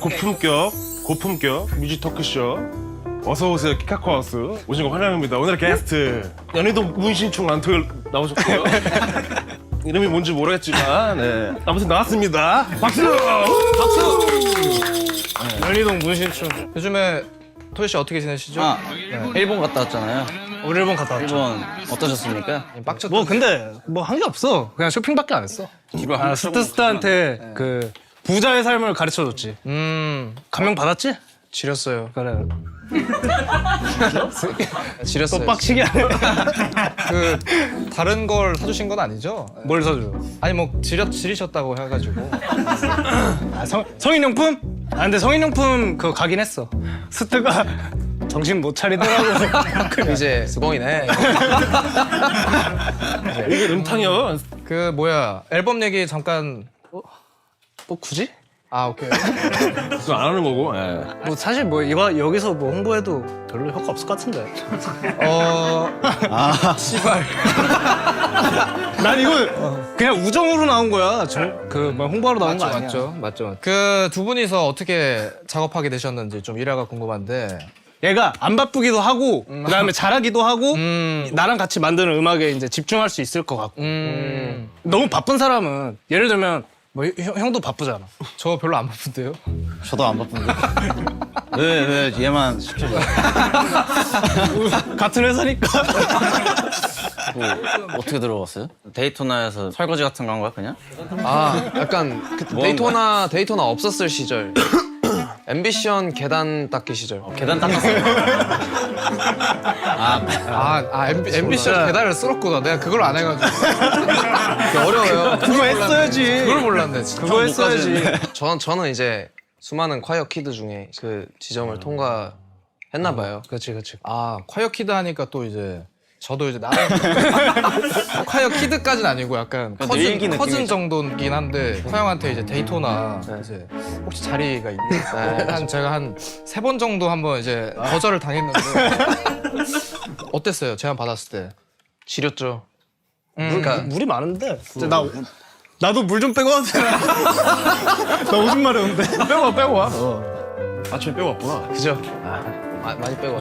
고품격 뮤직 토크쇼 어서 오세요 키카코하우스 오신 거 환영합니다. 오늘의 게스트 연희동 문신충 란토일 나오셨고요. 이름이 뭔지 모르겠지만 네. 아무튼 나왔습니다. 박수! 연희동 문신충. 요즘에 토이 씨 어떻게 지내시죠? 일본 갔다 왔잖아요. 우리 일본 갔다 왔죠. 일본 어떠셨습니까? 빡쳤다. 뭐 근데 뭐 한 게 없어. 그냥 쇼핑밖에 안 했어. 스트스트한테 그 부자의 삶을 가르쳐줬지. 감명 받았지? 지렸어요. 그래. 지렸어요. 또 빡치게 하네. 그 다른 걸 사주신 건 아니죠? 뭘 사줘? 아니 뭐 지리셨다고 해가지고. 아, 성인용품? 아 근데 성인용품 그거 가긴 했어. 스트가 정신 못 차리더라고. 이제 수공이네. 이게 음탕이요. 그 뭐야 앨범 얘기 잠깐. 뭐 굳이? 아 오케이. 그거 안 하는 거고. 예. 뭐 사실 뭐 이거 여기서 뭐 홍보해도 별로 효과 없을 것 같은데. 씨발. 난 이거 그냥 우정으로 나온 거야. 그뭐 홍보하러 나온 거 아니야. 맞죠. 그 두 분이서 어떻게 작업하게 되셨는지 좀 일화가 궁금한데. 얘가 안 바쁘기도 하고 그다음에 잘하기도 하고 나랑 같이 만드는 음악에 이제 집중할 수 있을 것 같고. 너무 바쁜 사람은 예를 들면 뭐 형도 바쁘잖아. 저 별로 안 바쁜데요? 저도 안 바쁜데. 왜 얘만 시켜줘? 같은 회사니까. 뭐, 어떻게 들어갔어요? 데이토나에서 설거지 같은 거 한 거야 그냥? 아, 약간 그 데이토나 없었을 시절. 앰비션 계단 닦기 시절. 계단 닦았어요. 앰비션 계단을 쓸었구나. 내가 그걸 안 해가지고. 어려워요. 그거 했어야지. 그걸 몰랐네. 진짜. 그거 했어야지. 저는 이제 수많은 콰이어 키드 중에 그 지점을 통과했나 봐요. 그렇지, 그렇지. 아 콰이어 키드 하니까 또 이제 저도 이제 나름 콰이어 키드까지는 아니고 약간 일기 커즌 느낌이죠. 정도긴 한데 화영한테 이제 데이토나 이제 혹시 자리가 있냐? 제가 한 3번 정도 한번 이제 거절을 당했는데 어땠어요? 제안 받았을 때? 지렸죠. 그러니까 물이 많은데. 나도 물 좀 빼고 와도 되나? 나 오줌 마려운데. 빼고 와. 아침에 빼고 왔구나. 그죠? 많이 빼고.